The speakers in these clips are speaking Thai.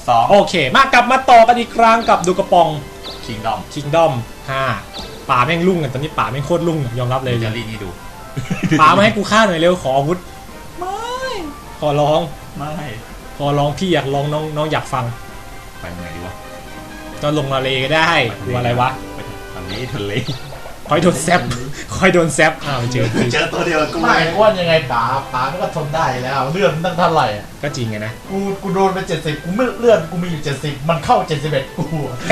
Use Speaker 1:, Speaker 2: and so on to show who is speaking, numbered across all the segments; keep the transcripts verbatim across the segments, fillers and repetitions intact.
Speaker 1: สอง
Speaker 2: โอเคมากลับมาต่อกันอีกครั้งกับดูกระปอง
Speaker 1: คิงดอม
Speaker 2: คิงดอมห้าป่าแม่งลุ่งกันตอนนี้ป่าแม่งโคตรลุ่งยอมรับเลย
Speaker 1: จะรีนี่ดู
Speaker 2: ป่ามาให้กูฆ่าหน่อยเร็วขออาวุธ
Speaker 1: ไม่
Speaker 2: ขอร้อง
Speaker 1: ไม่
Speaker 2: ขอร้องพี่อยากร้องน้องน้องอยากฟัง
Speaker 1: ไปไหนดีวะ
Speaker 2: ก็ลงทะเลก็ได้ดูอะไรวะ
Speaker 1: ไปทะเลทะเล
Speaker 2: คอยโดนแซบคอยโดนแซบอ้าวเจอ
Speaker 3: เจอตัวเดียวกู
Speaker 4: ไม่อ้วนยังไงป๋าป๋าก็ทนได้แล้วเลื่อนตั้งเท่าไหร่อ่ะ
Speaker 2: ก็จริงไงนะ
Speaker 4: กูกูโดนไปเจ็ดสิบกูไม่เลื่อนกูมีอยู่เจ็ดสิบมันเข้าเจ็ดสิบเอ็ดกู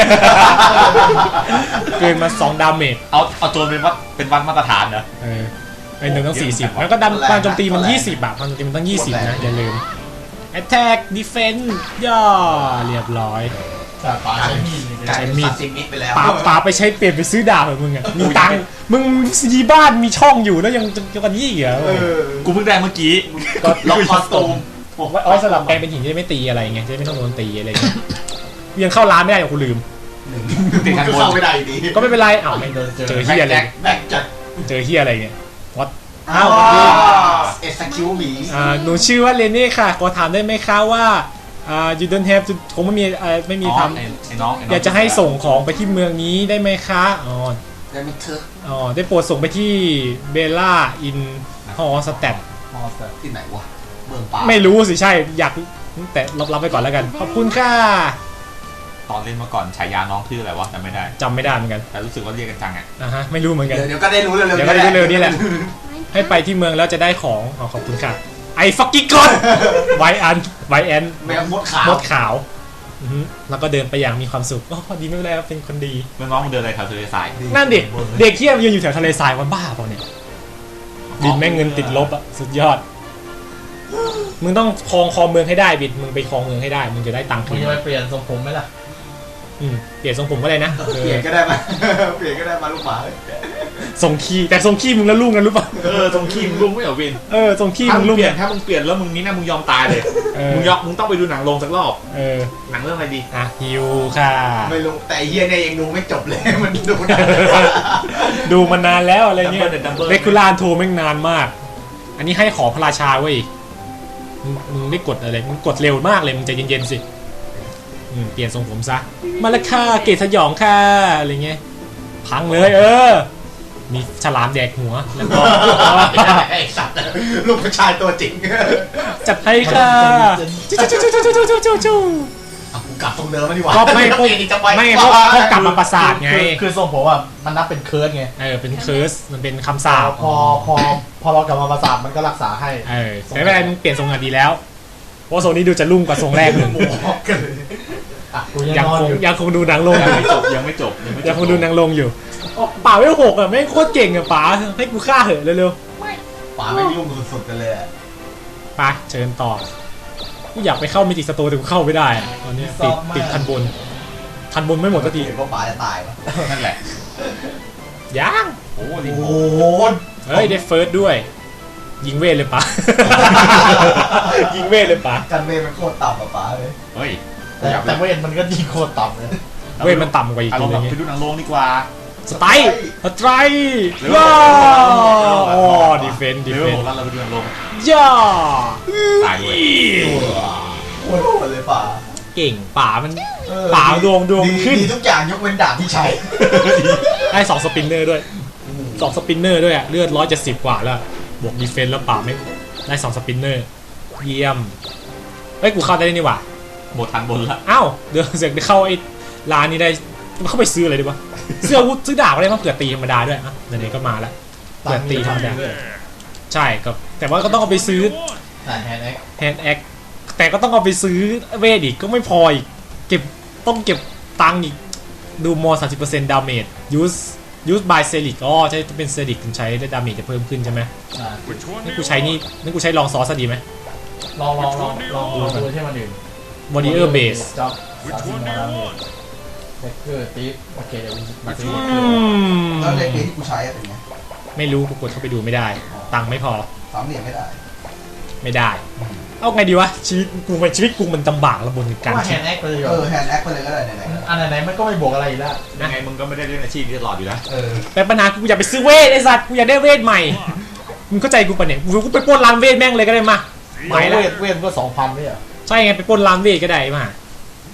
Speaker 2: เกินมาสองดาเมจ
Speaker 1: เอาเอาโจนเป็นวัดเป็นวัดมาตรฐานเหรอ
Speaker 2: เออไอ้หนึ่งต้องสี่สิบแล้วก็ดำพลังโจมตีมันยี่สิบอะพลังโจมตีมันต้องยี่สิบนะอย่าลืม Attack Defense ย่อเรียบร้อย
Speaker 4: แต่ป๋าใช้มีด
Speaker 3: กลายเป็นซาซิมิไปแล้ว
Speaker 2: ป่าป่าไปใช้เปลี่ยนไปซื้อดาบเหรอมึงอะมีตังค์มึงยีบ้านมีช่องอยู่แล้วยังจะจะกันยี่เหรอ
Speaker 3: เออ
Speaker 1: กูเพิ่งได้เมื่อกี้
Speaker 3: ก็ล็อกคอสตูม
Speaker 2: ไว้ไว้สลับแปลงเป็นหินจะได้ไม่ตีอะไรไงจะได้ไม่ต้องโดนตีอะไรเงี้ยยังเข้าร้านไม่ได้กูลืม
Speaker 1: ติดกันบน
Speaker 3: เข้าไม่ได้อยู่ดี
Speaker 2: ก็ไม่เป็นไรอ้าวไม่เจอเฮียอะไร
Speaker 3: แบกจัด
Speaker 2: เจอเฮียอะไรเนี่ยวัด
Speaker 3: อ้าวเอสคิวหมี
Speaker 2: อ่าหนูชื่อว่าเรนนี่ค่ะขอถามได้ไหมคะว่าอ่า you don't have to คงไม่มีเอ่อไม่มี
Speaker 1: อ๋อ
Speaker 2: ท
Speaker 1: ไอ้ไอ้น้องไน้ง
Speaker 2: ำอยากจะให้ส่งของไปที่เมืองนี้ได้ไหมคะอ๋อ
Speaker 3: ได้ไม่เถอะ
Speaker 2: อ๋อได้โปรดส่งไปที่เบลล่าอินฮอสแตท
Speaker 4: มอสเตอร์
Speaker 3: ที่ไหนวะเมืองป่า
Speaker 2: ไม่รู้สิใช่อยากแต่รับรับไปก่อนแล้วกันขอบคุณค่ะ
Speaker 1: ตอนเล่นมาก่อนฉายาน้องชื่ออะไรวะจำไม่ได้
Speaker 2: จำไม่ได้เหมือนกัน
Speaker 1: แต่รู้สึกว่าเรียกกันจังอ่ะ
Speaker 2: นะฮะไม่รู้เหมือนกัน
Speaker 3: เดี๋ยวเดี๋ยวก็ได้รู้เร็วๆ
Speaker 2: เดี๋ยวก็ได้รู้เร็วนี่แหละ ให้ไปที่เมืองแล้วจะได้ของอ๋อขอบคุณค่ะไอ้ฟักกิ้งกอนไวอันไวแอน
Speaker 3: แมวมดขาว
Speaker 2: มดขาวอือฮึแล้วก็เดินไปอย่างมีความสุขอ๋อพอดีไม่เป็นไรครับเป็นคนดี
Speaker 1: เมื่อน้องมึงเดินอะไรแถวทะเลทราย
Speaker 2: นั่นเด็กเด็กเที่ยยืนอยู่แถวทะเลทรายวันบ้าเปล่าเนี่ยบินแม่งเงินติดลบอะสุดยอด มึงต้องครองครองเมืองให้ได้บิดมึงไปครองเมืองให้ได้มึงจะได้ตังค์
Speaker 4: มึ
Speaker 2: คื
Speaker 4: ง
Speaker 2: น
Speaker 4: จะไปเปลี่ยนทรงผมไหมล่ะ
Speaker 2: อืมเปลี่ยนทรงผมก็ได้นะ
Speaker 3: เปลี่ยนก็ได้มา เปลี่ยนก็ได้มาลูกหมา
Speaker 2: ทรงขี้แต่ทรงขี้มึงแล้วลุ่งกันรู้ป่ะ
Speaker 1: เออตรงขี้มึงลุงไม่เหรอวิน
Speaker 2: เออทรงขี้
Speaker 1: ถ้า
Speaker 2: มึ
Speaker 1: มึ
Speaker 2: ง
Speaker 1: ง
Speaker 2: ลุ่ง
Speaker 1: เปลี่ยนถ้ามึงเปลี่ยนแล้วมึงนี่นะมึงยอมตายเลย
Speaker 2: เออ
Speaker 1: มึงยอมมึงต้องไปดูหนังโรงสักรอบ
Speaker 2: เออ
Speaker 1: หนังเรื่องอะไรดี
Speaker 2: อ่ะฮิวค่ะ
Speaker 3: ไม่รู้แต่เฮียเนี่ยยังดูไม่จบเลย มันดูนะ
Speaker 2: ดูมานานแล้วอะไรเงี้ย
Speaker 1: Double เนี่ย Double
Speaker 2: เรกูลานโทรแม่งนานมาก อันนี้ให้ขอพระราชาเว้ยมึงมึงไม่กดอะไรมึงกดเร็วมากเลยมึงใจเย็นๆสิอืมเปลี่ยนทรงผมซะมาและค่ะเกตสยองค่ะอะไรเงี้ยพังเลยเออ มีฉลามแดกหัวแล้วก็
Speaker 3: ไอ้สัตว์ลูกผู้ชายตัวจริง
Speaker 2: จัดให้ค่ะจู้จู้จู้จู้จู้จู้จู้
Speaker 3: เอากูกลับตรงเดิมมาดีกว่า
Speaker 2: ก็ไม่พวก
Speaker 3: เปลี่ยนอีกจะไป
Speaker 2: ไม่พวกพวกกลับมาประสาทไง
Speaker 4: คือคือทรงผมอ่ะมันนับเป็นเคิร์ดไง
Speaker 2: เออเป็นเคิร์สมันเป็นคำสาป
Speaker 4: พอพอพอเรากลับมาประสาทมันก็รักษาให้
Speaker 2: เออแต่ไม่เป็นไรมึงเปลี่ยนทรงอ่ะดีแล้วเพราะทรงนี้ดูจะรุ่งกว่าทรงแรกเลย
Speaker 4: อ่ะกูยัง
Speaker 2: ยัง
Speaker 4: นอน
Speaker 2: คง
Speaker 4: อยู่
Speaker 2: ยังคงดูหนังลง
Speaker 1: ยัง
Speaker 2: อยู่
Speaker 1: ไม่จบยังไม่จบยังไม่จบ
Speaker 2: ยังคงดูหนังลงอยู่อ๋อป่าไม่หกอ่ะไม่งโคตรเก่งอ่ะป๋าให้กูฆ่าเหอะเร็ว
Speaker 3: ป่าไม่ยุ่งสุดๆกันเลยอะ
Speaker 2: ๆไปเชิญต่อกูอยากไปเข้าเมจิกสโตร์แต่กูเข้าไม่ได้อะตอนเนี้ยติดติดทันบนทันบนไม่หมดสักที
Speaker 3: เห็นว่าป่าจะตายวะ
Speaker 1: นั่นแหละ
Speaker 2: ยัง
Speaker 1: โอ้โหนี่
Speaker 3: โอ้โห
Speaker 2: เฮ้ยได้เฟิร์สด้วย ยิงเวทเลยป๋า ยิงเวทเลยป๋า
Speaker 3: กันเวมันโคตรต่ำอะป่าเลย
Speaker 1: เฮ้ย
Speaker 4: แต่
Speaker 1: อยาก
Speaker 4: แต่เวทมันก็ยิงโคตรต่ำเลย
Speaker 2: เวทมันต่ำกว่าอีก
Speaker 1: อาร
Speaker 2: ที
Speaker 1: มณ์
Speaker 2: นึ
Speaker 1: แบบ
Speaker 2: ง
Speaker 1: ไปดูหนังโรงดีกว่า
Speaker 2: สไตล์สไตร์
Speaker 1: เร็ว
Speaker 2: ว้า
Speaker 1: เร็ว
Speaker 2: วอ๋อดีเฟนต์ดี
Speaker 1: เร็
Speaker 2: เฟ
Speaker 1: วน
Speaker 2: ต์
Speaker 1: แล้วเราไปดูหนังโรง
Speaker 2: ย่า
Speaker 1: ตายเลย
Speaker 3: โคตรโหดเลยป่า
Speaker 2: เก่งป๋ามัน
Speaker 3: เออ
Speaker 2: ป่าดวงดวง
Speaker 3: ดี
Speaker 2: ขึ้น
Speaker 3: ดีทุกอย่างยกเว้นดาบที่ใช้
Speaker 2: ได้สองสปินเนอร์ด้วยสองสปินเนอร์ด้วยอะเลือดร้อยเจ็ดสิบกว่าแล้วบวกดีเฟนต์แล้วป่าไม่ได้สองสปินเนอร์เยี่ยมเฮ้ยกูเข้าได้นี่หว่า
Speaker 1: หมดทันบนละ
Speaker 2: อ้าวเดี๋ยวเสือกได้เข้าไอ้ร้านนี้ได้เข้าไปซื้ออะไรดีวะซื้ออาวุธซื้อดาบอะไรมาเผื่อตีธรรมดาด้วยอ่ะไหนๆก็มาแล้วเผื่อตีธรรมดาใช่ก็แต่ว่าก็ต้องเอาไปซื้อ
Speaker 4: แต่แฮนด์แอค
Speaker 2: แฮนด์แอคแต่ก็ต้องเอาไปซื้อเวทอีกก็ไม่พออีกเก็บต้องเก็บตังค์อีกดูมอสามสิบเปอร์เซ็นต์ดาเมจยูสยูสบายเซลิกอ๋อใช้เป็นเซลิกถึงใช้ได้ดาเมจจะเพิ่มขึ้นใช่ไหม
Speaker 4: อ่า
Speaker 2: นี่กูใช้นี่นี่กูใช้ลองซอสดีไหม
Speaker 4: ลองลองลองลองลองดูที่มันอื่น
Speaker 2: บอดี้เออร์เบส
Speaker 4: จ็อบสามสิบโมดาเมจเด็กเกอร์ตีฟโอเคเดี๋ยวมาซื้อ
Speaker 2: อืม
Speaker 3: แล้วในปีที่กูใช้อะเป็นไง
Speaker 2: ไม่รู้กูกดเข้าไปดูไม่ได้ ตังค์ไม่พอ
Speaker 3: สามเหลี่ยมไม่ได้
Speaker 2: ไม่ได้ เอาไงดีวะชีวิตกูมันชีวิตกูมันลำบากระบนการ
Speaker 4: ว่าแฮ
Speaker 2: คิด
Speaker 4: นด์แอคไปเลย
Speaker 3: เออแฮนด์แอคไปเลยก็ได้ไหนๆก็
Speaker 4: อันไหนๆมันก็ไม่บวกอะไรอีกแล้ว
Speaker 1: ยังไงมึงก็ไม่ได้เล่นอาชีพนี้ตลอดอยู่แล้ว
Speaker 3: เออ
Speaker 2: แต่ปัญหาคือกูอยากไปซื้อเวทไอ้สัตว์กูอยากได้เวทใหม่มึงเข้าใจกูปะเนี่ยกูไปปล้นร้านเวทแม่งเลยก็ได้มา
Speaker 4: ไม่
Speaker 2: ไม่
Speaker 4: เว
Speaker 2: ละ
Speaker 4: ทเวทก็สองพันไม่เหรอ
Speaker 2: ใช่ไงไปปล้นร้านเวทก็ได้มา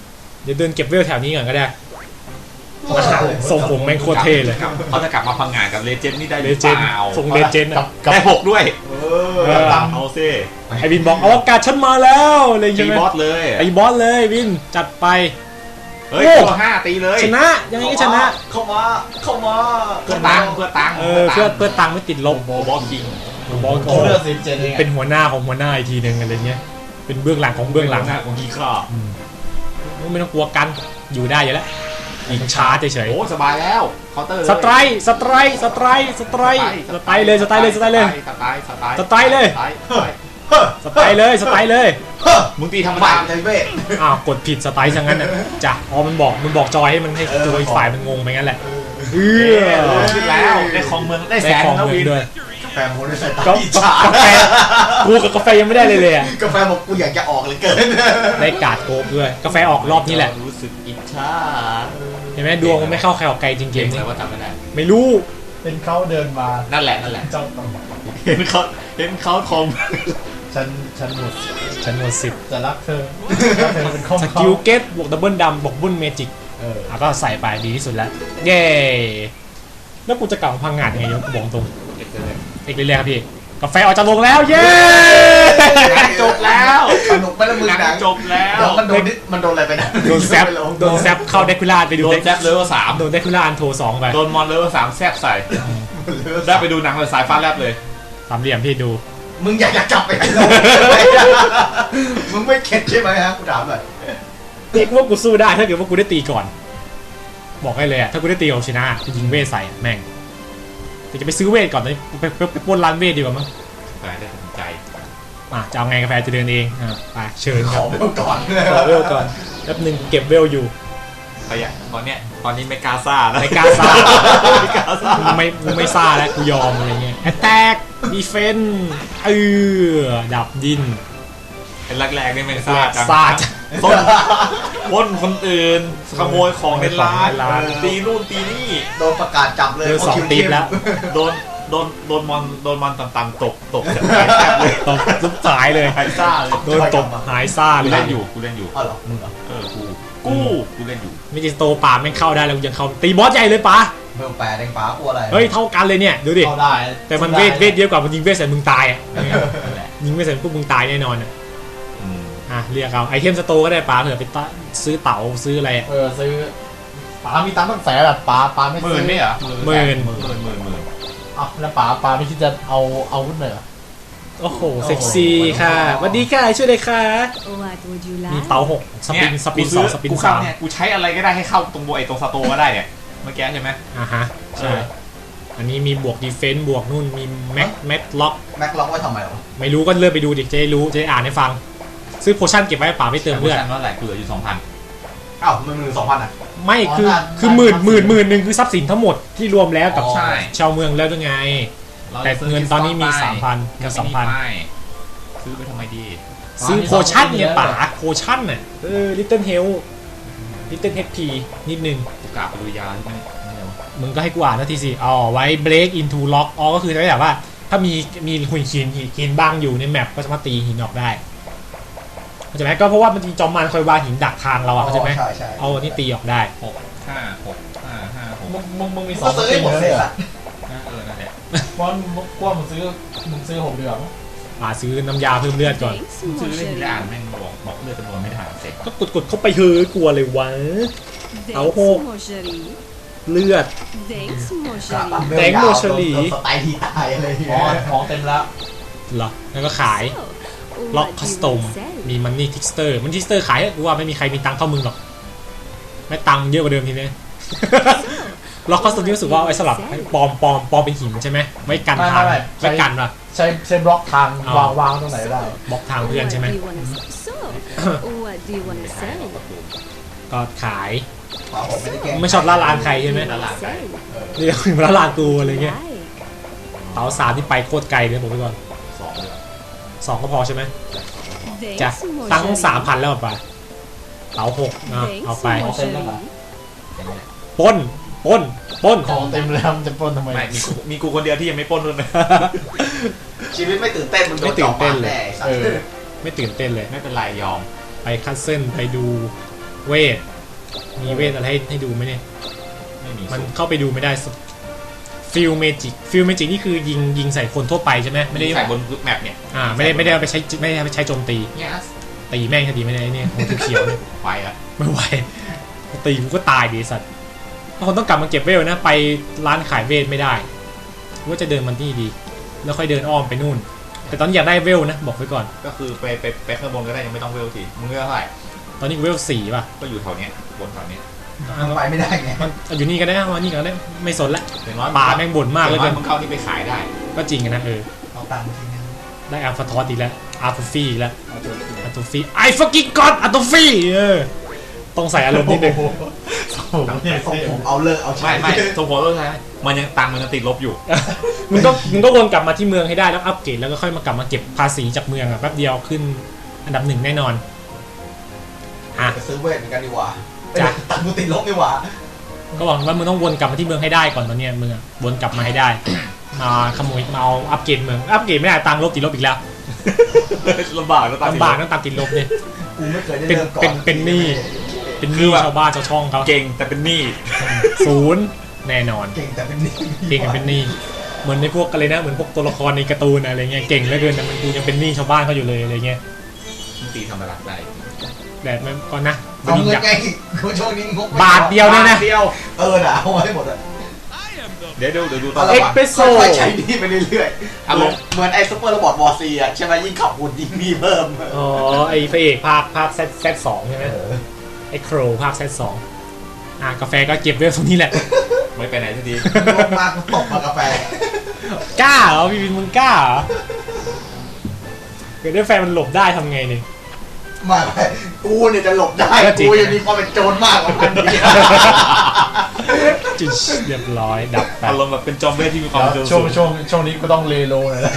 Speaker 2: เดี๋ยวเดินเก็บเวลแถวนี้ก่อนก็ได้ส่งผมแม่งโคตรเท่เลย
Speaker 1: เขาจะกลับมาพังงานกับเลเจนด์นี่ได้ห
Speaker 2: เล
Speaker 1: รือ
Speaker 2: เจ
Speaker 1: เป
Speaker 2: นด์
Speaker 1: ล่า
Speaker 2: ส่งเลเจนด์อะ
Speaker 1: ได้หกด้วย
Speaker 3: เอ
Speaker 2: เอ
Speaker 3: อ
Speaker 2: อ
Speaker 3: ตาม
Speaker 1: เอาซิ
Speaker 2: ไอวินบอกอวกาศฉันมาแล้วเลย
Speaker 1: ตี
Speaker 2: ใช่ไหม
Speaker 1: บอสเลย
Speaker 2: ไอบอสเลยวินจัดไป
Speaker 1: เฮ้ย
Speaker 2: โอ้
Speaker 1: ตัวห้าตีเลย
Speaker 2: ชนะยังไงก็ชนะ
Speaker 3: เข้ามาเข้ามา
Speaker 1: เพื่อตังค์เพื่อตังค์
Speaker 2: เออเพื่อเพื่อตังค์ไม่ติดลบ
Speaker 1: โบบอสคิง
Speaker 2: บอส
Speaker 4: โอ้เลือดสิบเจ็ดเอง
Speaker 2: เป็นหัวหน้าของหัวหน้าอีกทีหนึ่งอะไรเงี้ยเป็นเบื้องหลังของเบื้องหลัง
Speaker 1: หน้าของกีข้า
Speaker 2: อืมไม่ต้องกลัวกันอยู่ได้อยู่แล้วยิงช้าเฉย
Speaker 1: โอ้สบายแล้วเคาน์เตอร์
Speaker 2: ๆสไตร์สไตร์สไตร์สไตร์สไตร์เลยสไตร์เลยสไตร์เลย
Speaker 1: สไตล์สไตล์
Speaker 2: สไตล์เลย
Speaker 1: สไตล์
Speaker 2: สไตร์เลยสไตร์เลย
Speaker 3: เฮ้อ
Speaker 1: มึงตีธรรม
Speaker 3: บ้า
Speaker 1: ดา
Speaker 3: ใจเวท
Speaker 2: อ้าวกดผิดสไตล์ซะงั้นน่ะจ้ะอ๋อมันบอกมันบอกจอยให้มันให้ตัวอีกฝ่ายมันงงไปงั้นแหละเอ
Speaker 1: เอ
Speaker 2: อ
Speaker 1: อขึ้นแล้วได้ของเมืองได้แส
Speaker 2: ได้
Speaker 1: น
Speaker 2: ของ
Speaker 1: แล้ว
Speaker 2: เงิ
Speaker 1: วิ
Speaker 2: น
Speaker 1: น
Speaker 2: ด้วย
Speaker 3: กาแฟโมด้วยสายตา
Speaker 2: ก็
Speaker 3: อิจฉาก
Speaker 2: าแฟกูกับกาแฟยังไม่ได้เลยเลยอะ
Speaker 3: กาแฟบอกกูอยากจะออกเหลยเกิน
Speaker 2: ได้การ์ดโกบด้วยกาแฟออกรอบนี้แหละ
Speaker 1: รู้สึกอิจฉา
Speaker 2: เห็นไหมดวงมันไม่เข้าใครออกไกลจริง
Speaker 1: เก่ง
Speaker 2: ๆ
Speaker 1: เล
Speaker 2: นี่
Speaker 1: ยว่าจำไม่ได้
Speaker 2: ไม่รู้
Speaker 4: เป็นเขาเดินมา
Speaker 1: นั่นแหละนั่นแหละ
Speaker 4: เจ้าต้อง
Speaker 1: เห็นเขาเห็นเขาทม
Speaker 4: ฉันฉันหมด
Speaker 2: ฉันหมดสิบ
Speaker 4: จะรักเธอรักเธอเป็นข้อม
Speaker 2: ส
Speaker 4: เขา
Speaker 2: กิลเกตบวกดับเบิลดำบวกบุ้นเมจิก
Speaker 4: เออ
Speaker 2: อ่ะก็ใส่ไปดีที่สุดแล้ว เย้แล้วกูจะกลับมาพังงานยังไงยกกูบอกตรง
Speaker 1: เก็บเลย
Speaker 2: อีกเรื่อยๆครับพี่กาแฟออกจากโรงแล้ว เย้
Speaker 1: จบแล้ว
Speaker 3: สนุกไปแล้วมึง
Speaker 1: หนัง
Speaker 3: หนัง
Speaker 1: จบแล้ว
Speaker 3: เดี๋ยวมันโดนนิดมันโดนอะไรไปนะ
Speaker 2: โดนแซปโดนแซปเข้าเดคูล่าไปดู
Speaker 1: โดนแซปเลเวลสาม
Speaker 2: โดนเดคูล่าอันโทสองไป
Speaker 1: โดนมอนเลเวลสามแซบใส่ได้ไปดูหนังเลยสายฟ้าแลบเลย
Speaker 2: สามเหลี่ยมพี่ดู
Speaker 3: มึงอยากจะกลับไปโลกมึงไม่เข็ดใช่ไหมฮะกูถามหน่อย
Speaker 2: เด็กว่ากูสู้ได้ถ้าเกิดว่ากูได้ตีก่อน บอกให้เลยอะถ้ากูได้ตีเอาชนะกูยิงเวทใส่อะแม่งแต่จะไปซื้อเวทก่อนเลยไปไปไปปล้นร้านเวทดีกว่ามั้ง
Speaker 1: แต่ได้สนใจ
Speaker 2: อ่ะจะเอาไงกาแฟจะเดินเองอ่ะไปเชิญ
Speaker 3: ข
Speaker 2: ครั
Speaker 3: อบ เวลก่อน
Speaker 2: ขอเวลก่อนแป๊บนึงเก็บเวลอยู่
Speaker 1: ขยะตอนเนี้ยตอนนี้ไม่กล้าซ่าแล้ว
Speaker 2: ไม่กล้าซ่า
Speaker 1: ไม่กล้าซ่า
Speaker 2: กูไม่กูไม่ซ่าแล้วกูยอมอะไรเงี้ย attack defense เออดับดิน
Speaker 1: เป็นแรกๆนี่ไม่ซ่าจัง
Speaker 2: ซ่าจัง
Speaker 1: ต้นปล้นคนอื่นขโมยของในร้าน
Speaker 2: ในร้าน
Speaker 1: ตีนู่นตีนี่
Speaker 3: โดนประกาศจับเลย
Speaker 2: เจอสองตีบแล้ว
Speaker 1: โดนโดนโดนมอนโดนมอนต่ำๆตกตกจากหายแทบเลย
Speaker 2: ตบซุบสายเลย
Speaker 1: หายซ่าเลย
Speaker 2: โดนตบหายซ่า
Speaker 1: กู
Speaker 2: เลย
Speaker 1: เล่นอยู่กูเล่นอยู่
Speaker 3: อ๋อเหรอมึงเหรอ
Speaker 1: เออกูกูกูเล่นอยู่
Speaker 2: ไม่จิสโตป่าแม่งเข้าได้แล้วกูยังเข้าตีบอสใหญ่เลยป่ะ
Speaker 3: เบลแปดแดงฟ้ากลัวอะไร
Speaker 2: เฮ้ยเท่ากันเลยเนี่ยดูดิ
Speaker 4: เข้าได้
Speaker 2: แต่มันเวทเวทเยอะกว่ามันยิงเวทใส่มึงตายอ่ะ
Speaker 1: นั่นแหละ
Speaker 2: ยิงเวทใส่พวกมึงตายแน่นอนอ่ะ
Speaker 1: อืม
Speaker 2: อ่ะเรียกเอาไอเทมสโตร์ก็ได้ป่ะเผื่อไปตะซื้อเต๋าซื้ออะไรอะ
Speaker 4: เออซื้อป๋ามีตังค์ตั้งแสนแบบป๋าป๋าไม่
Speaker 1: ห
Speaker 4: ซื้
Speaker 1: มื่
Speaker 4: อน
Speaker 1: ไม่เหรอ
Speaker 2: หมื่น
Speaker 1: หมื่นหมื่นหมื่นหมื่น
Speaker 4: อ่ะแล้วป๋าป๋าไม่คิดจะเอาเอาวุ้นเหรอ
Speaker 2: โอ้โหเซ็กซี่ค่ะสวัสดีค่ะช่วยเลยค่ะ
Speaker 5: What would you
Speaker 2: มี
Speaker 5: like?
Speaker 2: เต๋าหกสปินสปินสองสปิน
Speaker 1: กู
Speaker 2: สา
Speaker 1: เข้าม เนี่ยกูใช้อะไรก็ได้ให้เข้าตรงโบไอตรงสโตก็ได้เนี่ยเมื่อกี้ใช่ไหม
Speaker 2: อ่ะฮะใช่อันนี้มีบวกดีเฟนต์บวกนู่นมีแม็กแม็กล็อก
Speaker 3: แม็กล็อกไว้ทำไมหรอ
Speaker 2: ไม่รู้ก็เลื่อนไปดูดิจะได้รู้จะได้อ่านให้ฟัง ซื้อโพชั่นเก็บไว้ให้ป่าไม่เติมเลือด
Speaker 1: เท่าไหร่กูเหลืออยู่สองพัน
Speaker 3: อ้าวมันมือสองพันอ่ะ
Speaker 2: ไม่คือ
Speaker 3: อ๋อ
Speaker 2: คือหมื่นหมื่นหมื่นหนึ่งคือทรัพย์สินทั้งหมดที่รวมแล้วกับ
Speaker 3: อ๋อ
Speaker 1: ใช่
Speaker 2: ชาวเมืองแล้วด้วยไง แต่เงินตอนนี้มีสามพันกับสองพัน
Speaker 1: ซื้อไปทำไมดี
Speaker 2: ซื้อโพชั่นเนี่ยป่าโพชั่นน่ะเออลิตเติ้ลเฮลลิตเติ้ลเฮดพีนิดนึง
Speaker 1: กูกราบไปดูยาที่ไม่ไม่เอา
Speaker 2: มึงก็ให้กูอ่านนาทีสิอ๋อไว้ break into lock อ๋อก็คือจะแบบว่า ถ้ามีมีหุ่นหินหินบางอยู่ในแมปก็สามารถตีหินออกได้เข้าใจไหมก็เพราะว่ามันมีจอมมารคอยวางหินดักทางเราอะเข้าใจไหม
Speaker 3: ใช่ใช่
Speaker 2: เอาอันนี้ตีออกได้
Speaker 1: หกห้าหกห้าห้าหก
Speaker 4: มึงมึงมึงมีสอ
Speaker 3: ก็
Speaker 4: ง
Speaker 3: ซื้อ
Speaker 4: สปิ
Speaker 3: ให้
Speaker 4: น
Speaker 3: หมด
Speaker 4: เล
Speaker 3: เสร็
Speaker 4: ย
Speaker 3: จ
Speaker 4: เหรอ
Speaker 3: ละ
Speaker 1: นะเออนั่นแหละ
Speaker 4: เพราะมึงกว่ามึงซื้อมึงซื้อหกเดือนมั้ง
Speaker 2: อ่าซื้อน้ำยาเพิ่มเลือดก่อน
Speaker 5: Thanks,
Speaker 1: กูซื้อเล่น
Speaker 5: mon
Speaker 1: ทีละ
Speaker 5: chéri.
Speaker 1: อ่านแม่งบอกบอกเลือดจำนวนไม่ทันเสร็จ
Speaker 2: ก็กดกดเข้าไปเฮ้ยกลัวเลยวะ
Speaker 5: Thanks,
Speaker 2: Áo hộp.
Speaker 5: mon chéri.
Speaker 2: เลือด
Speaker 5: Thanks, mon
Speaker 3: กะ
Speaker 5: chéri.
Speaker 2: แดงโมชลี
Speaker 3: โดนสไตล์ที่ตายอะไรอย่าง
Speaker 4: อ๋อ
Speaker 3: เงี้ย
Speaker 4: ของเต็มแล้ว
Speaker 2: เหรอแล้วก็ขาย
Speaker 5: So,
Speaker 2: ล็อก
Speaker 5: what
Speaker 2: คั
Speaker 5: do
Speaker 2: ส
Speaker 5: you
Speaker 2: ตอม
Speaker 5: want to sell?
Speaker 2: มีมันนี่ทิกสเตอร์มันทิกสเตอร์ขายให้กูว่าไม่มีใครมีตังค์เท่ามึงหรอกไม่ตังค์เยอะกว่าเดิมทีนี้ ล็อกคัสตอมนี่รู้สึกว่าเอาไว้สลับให้ปลอมปลอมปลอมเป็นหินใช่ไหมไว้กันทางไว้กันป่ะ
Speaker 4: ใช้ใช้บล็อกทาง
Speaker 2: อ๋อ
Speaker 4: วางวางตรงไหนได้
Speaker 2: บล็อกทางเพื่อน
Speaker 5: What
Speaker 2: ใช่ไหม
Speaker 5: do you wanna sell? So, what do you wanna sell?
Speaker 2: ก็ขาย
Speaker 3: ป๋าผมไม่ได้แกล้ง
Speaker 2: ไม่ชอบล่าลานใครใช่ไหม
Speaker 5: What do you wanna sell?
Speaker 2: เรียกถึงล่าลานกูอะไรเงี้ย
Speaker 5: Right.
Speaker 2: เต๋าสามที่ไปโคตรไกลเลยบอกไว้ก่อน
Speaker 1: สองเลย
Speaker 2: สองก็พอใช่ไหม
Speaker 5: Thanks,
Speaker 2: จ้ะ
Speaker 5: mon
Speaker 2: ตั้ง
Speaker 5: chéri.
Speaker 2: สามพันแล้วป่ะเต๋าหกอ่ะ
Speaker 5: Thanks,
Speaker 2: เอาไป
Speaker 5: mon chéri.
Speaker 2: ปล้นปล้นปล้น
Speaker 4: ของเต็มแล้วมันจะปล้นทำไม
Speaker 1: ไม่มีกูมีกูคนเดียวที่ยังไม่ปล้นด้วยนะ
Speaker 3: ชีวิตไม่ตื่นเต้นมึงโดนจอบปากแน่ไอ้สัต
Speaker 4: เอ
Speaker 3: ว์
Speaker 4: อ
Speaker 2: ไม่ตื่นเต้นเลย
Speaker 1: ไม่เป็นไรยอม
Speaker 2: ไปคัสเซิลไปดูเวทมีเวทอะไรให้ให้ดูไหมเนี่ย
Speaker 1: ไม่มี
Speaker 2: มัน
Speaker 1: สูตร
Speaker 2: เข้าไปดูไม่ได้ฟิลเมจิกฟิลเมจิกนี่คือยิงยิงใส่คนทั่วไปใช่ไหมไม่ได้
Speaker 1: ใส่บนแมปเนี่ย
Speaker 2: อ่าไม่ได้ไม่ได้เอาไปใช้ไม่ได้เอาไปใช้โจมตี
Speaker 1: เนี่ย
Speaker 2: ตีแม่งคดีไม่ได้เนี่ยของเขียวๆเนี่ย
Speaker 1: ไฟละ
Speaker 2: ไม่ไหวตีกูก็ตายดิสัตว์ถ้าคนต้องกลับมาเก็บเวลนะไปร้านขายเวทไม่ได้ว่าจะเดินมันนี่ดี แล้วค่อยเดินอ้อมไปนู่น แต่ตอนนี้อยากได้เวลนะบอกไว้ก่อน
Speaker 1: ก็คือไปไปไปข้างบนก็ได้ยังไม่ต้องเวลทีมึงเวลเท่าไหร่
Speaker 2: ตอนนี้กูเวลสี่ป่ะ
Speaker 1: ก็อยู่แถวเนี้ยบนแถวเนี้ย
Speaker 3: มันไปไม่ได้ไง
Speaker 2: มันอยู่นี่ก็ได้มานี่ก็ได้ไม่สนละ
Speaker 1: อย่างน้อย
Speaker 2: ป่าแม่งบ่นมากเลย
Speaker 1: อ
Speaker 2: เกิ
Speaker 1: ย่าง
Speaker 2: น
Speaker 1: น้อยมึงเข้านี่ไปขายได้
Speaker 2: ก็จริงอะนะเออ
Speaker 3: เอาตังค์จริงนะ
Speaker 2: ได้อาร์ฟาทอสอีกแล้วอาร์ฟฟี่อีกแล้วอาร์ตฟี่ไอ้ฟักกิ้งก็อดอาร์ตฟี่เออต้องใส่อารมณ์นิดนึง
Speaker 3: ผมเนี่ยส่งผมเอาเลิกเอาใช้
Speaker 1: ไม่ไม่สมผลก็ใช่มันยังตังค์มันยังติดลบอยู่
Speaker 2: มึงก็มึงก็วนกลับมาที่เมืองให้ได้แล้วอัปเกรดแล้วก็ค่อยมากลับมาเก็บภาษีจากเมืองอะแป๊บเดียวขึ้นอันดับหนึ่งแน่นอนอ่ะ
Speaker 3: ไปซื้อเวทเหมือนกันดีกว่า
Speaker 2: จ้ะ
Speaker 3: ตังค์กูติดลบดีกว่า
Speaker 2: ก็บอกว่ามึงต้องวนกลับมาที่เมืองให้ได้ก่อนตอนเนี้ยมึงอะวนกลับมาให้ได้ มาขโมยมาเอาอัปเกรดเมืองอัปเกรดไม่ได้ตังค์ลบติดลบอีกแล้ว
Speaker 1: ลำบากแล้วตังค์ติด
Speaker 2: ลำ
Speaker 1: ล
Speaker 2: บาก
Speaker 1: บ
Speaker 2: ต้องตามติดลบเนี่ย
Speaker 3: กูไม่เคยได้
Speaker 2: เป็น
Speaker 3: เริ่มก่อน
Speaker 2: เป็นเป็นหนี้เป็นหนี้ชาวบ้านชาวช่องเขา
Speaker 1: เก่งแต่เป็นหนี้
Speaker 2: ศูนย์แน่นอน
Speaker 3: เก่งแต่เป็นหนี้
Speaker 2: เก่งกันเป็นหนี้เหมือนในพวกอะไรนะเหมือนพวกตัวละครในการ์ตูนอะไรเงี้ยเก่งเหลือเกินแต่มันกูยังเป็นหนี้ชาวบ้านเขาอยู่เลยอะไรเงี้ย
Speaker 1: มึงตีทำตลาดได้
Speaker 2: แต่มันก่อนนะ
Speaker 3: เอาเงิน
Speaker 2: อยาก
Speaker 3: ไงกูช่วงนี้งกไม่
Speaker 2: บาทเดียวเนี่ยนะ
Speaker 1: เดียว
Speaker 3: เออน่ะเอาไว้ให้หมดอะ
Speaker 1: เดี๋ยวดูเดี๋ยวดูตอ
Speaker 3: เอา
Speaker 1: น
Speaker 3: ละ
Speaker 1: ต่อ
Speaker 3: วะ
Speaker 1: ไป
Speaker 2: Espresso
Speaker 3: ค่อยๆใช้หนี้ไปเรื่อยๆ
Speaker 1: อารมณ์
Speaker 3: เหมือนไอ้ซุปเปอร์โรบอทวอร์ซีอะใช่ไหมยิ่งขับหุ่นยิ่งหนี้เพิ่ม
Speaker 2: อ๋อไอ้พระเอกภาคภาคแซดแซดสองใช่ไหมไอ้โครภาคแซดสองอ่ะกาแฟก็เก็บไว้ตรงนี้แหละ
Speaker 1: ไม่ไปไหนสักที
Speaker 3: ลงมากูตกมากาแฟ
Speaker 2: กล้าเหรอพี่วินมึงกล้าเหรอเกิดได้แฟนมันหลบได้ทำไงเนี่ย
Speaker 3: ไมากูเนี่ยจะหลบได้
Speaker 2: ก็จริง
Speaker 3: กูยังมีความเป็นโจรมากกว่ามันดี
Speaker 2: จิชเรียบร้อยดับไป
Speaker 1: อารมณ์แบบเป็นจอมเวทที่มีความเร็ว
Speaker 4: ช่วง
Speaker 1: สูง
Speaker 4: ช่วงช่วงนี้ก็ต้องเลโลหน่อยนะ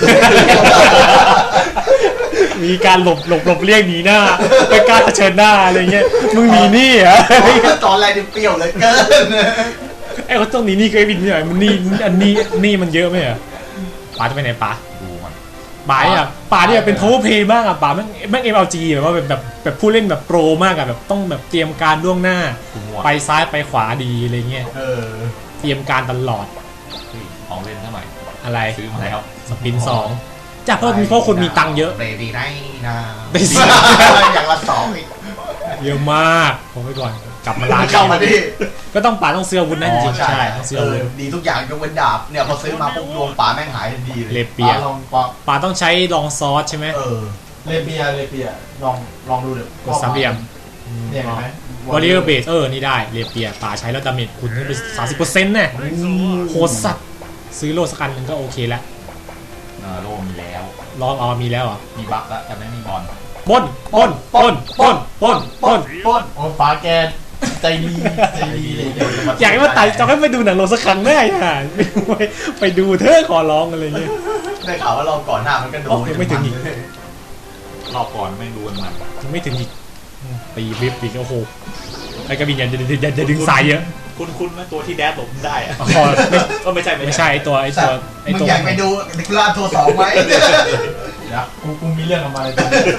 Speaker 2: มีการหลบหลบหลบเลี่ยงหนีหน้าไม่กล้าเผชิญหน้าอะไรเงี้ยมึงหนีหนี่เหรอ
Speaker 3: ตอนแรกนี่เปรี้ยวเหลยเกิน
Speaker 2: ไอ้คนต้องหนีหนี่ก็ไอ้บินเนี่ยมันหนี่อันนี้หนี่มันเยอะไหมเหรอป๋าจะไปไหนป๋า
Speaker 1: ดูมัน
Speaker 2: ป๋าเนี่ยป๋าเนี่ยเป็น power play มากอะป๋าแม่งแม่ง เอ็ม แอล จี แบบว่าแบบแบบแบบผู้เล่นแบบโปรมากอะแบบต้องแบบเตรียมการล่วงหน้า
Speaker 1: กูมัว
Speaker 2: ไปซ้ายไปขวาดีอะไรเงี้ย
Speaker 3: เออ
Speaker 2: เตรียมการตลอด
Speaker 1: เฮ้ยของเล่นเท่าไหร่
Speaker 2: อะไร
Speaker 1: ซื้อมาแล้ว
Speaker 2: สปินสองจ้ะเพราะมีเพราะคนมีตังค์เยอะ
Speaker 3: เบบี้ได้นะ
Speaker 2: ได้สิ
Speaker 3: อย่างละสองอีก
Speaker 2: เยอะมากผมไปก่อนกลับมาร้าน
Speaker 3: เข้ามาดิ
Speaker 2: ก็ต้องป๋าต้องซื้ออาวุธนั่นจริงๆ
Speaker 3: ใช่
Speaker 2: ใช่ต้องซื้อ
Speaker 3: เอ
Speaker 2: อาวุ
Speaker 3: อ
Speaker 2: ธ
Speaker 3: ดีทุกอย่างยกเว้นดาบเนี่ยพอซื้อมาปุ๊บดวงป่าแม่งหายทันทีเลย
Speaker 2: เลเปีย
Speaker 4: ลองปะ
Speaker 2: ป๋าต้องใช้ลองซอสใช่ไหม
Speaker 3: เออ
Speaker 4: เลเปียเลเปียลองลองดูเดี๋ยว
Speaker 2: กดสามเหลี่ยม
Speaker 4: เนี่ยเห็นไหม
Speaker 2: วอริเออร์เบสเออนี่ได้เลเปียป๋าใช้แล้วดาเมจคุณขึ้นไปสามสิบเปอร์เซ็นต์แน่โคตรสัตว์ซื้อโลสักอันหนึงก็โอเคแล้ว
Speaker 1: เออโลมีแล้ว
Speaker 2: ลองเอามีแล้วเหรอ
Speaker 1: มีบัฟแล้วแต่ไม่มีบอล
Speaker 2: ปล้นปล้นปล้นปล้นปล้นปล้น
Speaker 3: ปล้น
Speaker 4: โอ้ฟ้าแกใจดีใจดีเลย
Speaker 2: อยากให้มาไต่จะให้ไปดูหนังโรงสักครั้งได้อ่ะไปไปดูเธอะขอร้องอะไรเงี้ย
Speaker 3: ได้ข่าวว่าเราก่อนหน้ามันก็โด
Speaker 2: อ๋
Speaker 3: น
Speaker 2: อยังไม่ถึงอีก
Speaker 1: รอบก่อนไม่งดูกันมัน
Speaker 2: ยังไม่ถึงอีกอืมตีวิบอีกโอ้โหไอ้กระบินอย่าอย่าอย่าอย่าดึงสายเยอะ
Speaker 1: คุณคุณไหมตัวที่แดดหลบได้อะ
Speaker 2: อ๋อไม่
Speaker 1: ก็ไม่ใช่
Speaker 2: ไม่ใช่ไอ้ตัวไอ้ตัวไอ้
Speaker 3: มึง
Speaker 2: ตัว
Speaker 3: อยากไปดูดิกลาตัวสองไหม
Speaker 4: เดี๋ยวกูกูมีเรื่องกับมันเลย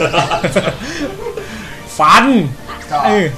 Speaker 2: ฟัน
Speaker 3: ก็
Speaker 2: เออ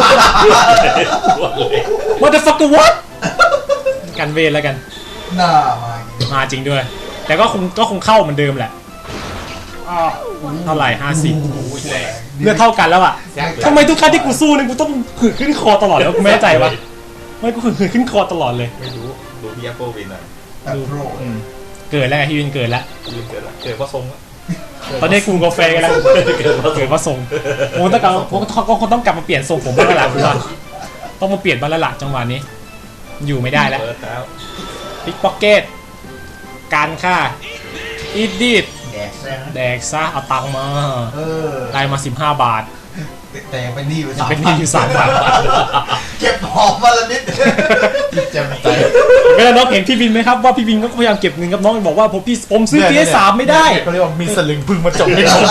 Speaker 2: what the fuck what กันเวรแล้วกัน
Speaker 3: หน้ามา
Speaker 2: มาจริงด้วย แต่ก็คงก็คงเข้าเหมือนเดิมแหละเท่าไหร่ห้าสิบ
Speaker 1: อุ้ยแรง
Speaker 2: เลือดเท่ากันแล้วอ่ะ
Speaker 1: แซง
Speaker 2: ทำไมทุกครั้งที่กูสู้เนี่ยกูต้องหืดขึ้นคอตลอดแล้วกูไม่แน่ใจวะไม่กูหืดขึ้นคอตลอดเลย
Speaker 1: ไม่รู้ดูพี่แอปเปิลวินอ่ะ
Speaker 3: แต่โปร
Speaker 2: เกิดแล้วไงพี่วินเกิดแล้ว
Speaker 1: ยืนเกิดละเกิดเพราะทรงอะ
Speaker 2: ตอนนี้กูกาแฟกันแล้วเกิดว่าทรงผมต้องกลับผมก็คงต้องกลับมาเปลี่ยนทรงผมบ้างแล้วล่ะคุณว่าต้องมาเปลี่ยนบ้างแล้วล่ะจังหวะนี้ อยู่ไม่ได้แล้ว
Speaker 1: เปิดแล้ว
Speaker 2: พิกพ็อกเก็ตการค่าอีดิด
Speaker 3: แดกซะ
Speaker 2: แดกซะเอาตังค์มา
Speaker 3: เออ
Speaker 2: ได้มาสิบห้าบาท
Speaker 3: แต่ยังเป็นหนี้อยู่สาม
Speaker 2: เป็นหนี้อยู่สามบาท
Speaker 3: เก็บหอมมาละนิด
Speaker 4: จิตแจ่มใส
Speaker 2: เวลาน้องเห็นพี่บินไหมครับว่าพี่บินก็พยายามเก็บเงินกับน้องบอกว่าผมพี่ผมซื้อ พี เอส สามไม่ได้
Speaker 4: เขาเรียกว่ามีสลึงพึ่งมาจบในคม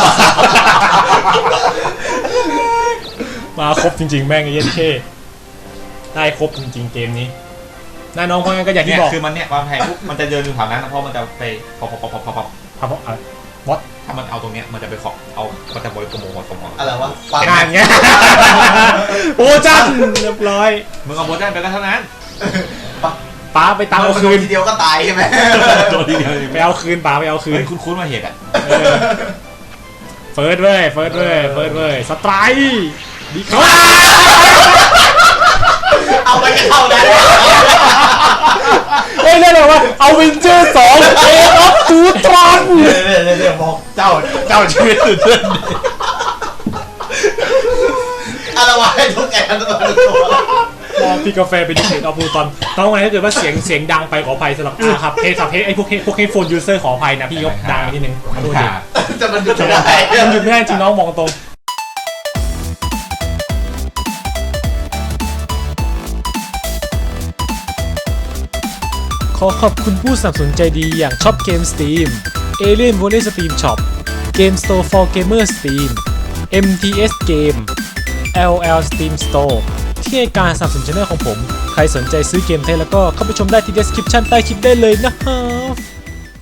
Speaker 2: มาครบจริงๆแม่งไอ้เย็นเท่ได้ครบจริงๆเกมนี้น้าน้องเพราะงั้นก็อย่างที่
Speaker 1: เนี่ย
Speaker 2: บอก
Speaker 1: คือมันเนี่ยความแพงปุ๊บมันจะเดินอยู่แถวนั้นนะเพราะมันจะไปพอพอพอพอพอพอ
Speaker 2: ครับผมเอา What?
Speaker 1: ถ้ามันเอาตรงเนี้ยมันจะไปขอเอามันจะบริกรมหัวสมอง
Speaker 3: อะไรวะฟัง
Speaker 2: งานเงี้ย โอ้จันเรียบร้อย
Speaker 1: มึงเอาโบจันไปก็เท่านั้น
Speaker 2: ป้าไปตามเอาคืน
Speaker 3: ทีเดียวก็ตายใช่ไหม
Speaker 1: โดนทีเดียว
Speaker 2: ไปเอาคืนป้าไปเอาคื
Speaker 1: เฮ้
Speaker 2: น
Speaker 1: ยคุ้นๆมาเหตุอ่ะ
Speaker 2: เฟิร์สเว้ยเฟิร์สเว้ยเฟิร์สเว้ยสไตร์ดีครับ
Speaker 3: เอาไปกันเท่านั้น
Speaker 2: เฮ้ยเรียกอะไรวะเอาวินเจอร์สองเอออฟทูตรอน
Speaker 3: เดี๋ยวเดี๋ยวเดี๋ยวบอกเจ้าเจ้าชีวิตสุดเพื่อนอะไรวะให้ทุกแกทั้งตัว
Speaker 2: พี่กาแฟเป็นดิเกตออฟทูตรอนต้องไงถ้าเกิดว่าเสียงเสียงดังไปขออภัยสำหรับอ่าครับเฮสับเฮไอพวกเฮพวกเฮโฟนยูเซอร์ขออภัยนะพี่ยกดังไปนิดนึงขอโทษดิ
Speaker 3: จะมันหยุดไม่ได้
Speaker 2: มันหยุดไม่ได้จริงน้องมองตรงขอขอบคุณผู้สนับสนุนใจดีอย่างช็อปเกม Steam Alien Volley Steam Shop Game Store for Gamer Steam เอ็ม ที เอส Game แอล แอล Steam Store ที่ให้การสนับสนุนช่องของผม ใครสนใจซื้อเกมไทยแล้วก็เข้าไปชมได้ที่ description ใต้คลิปได้เลยนะฮะ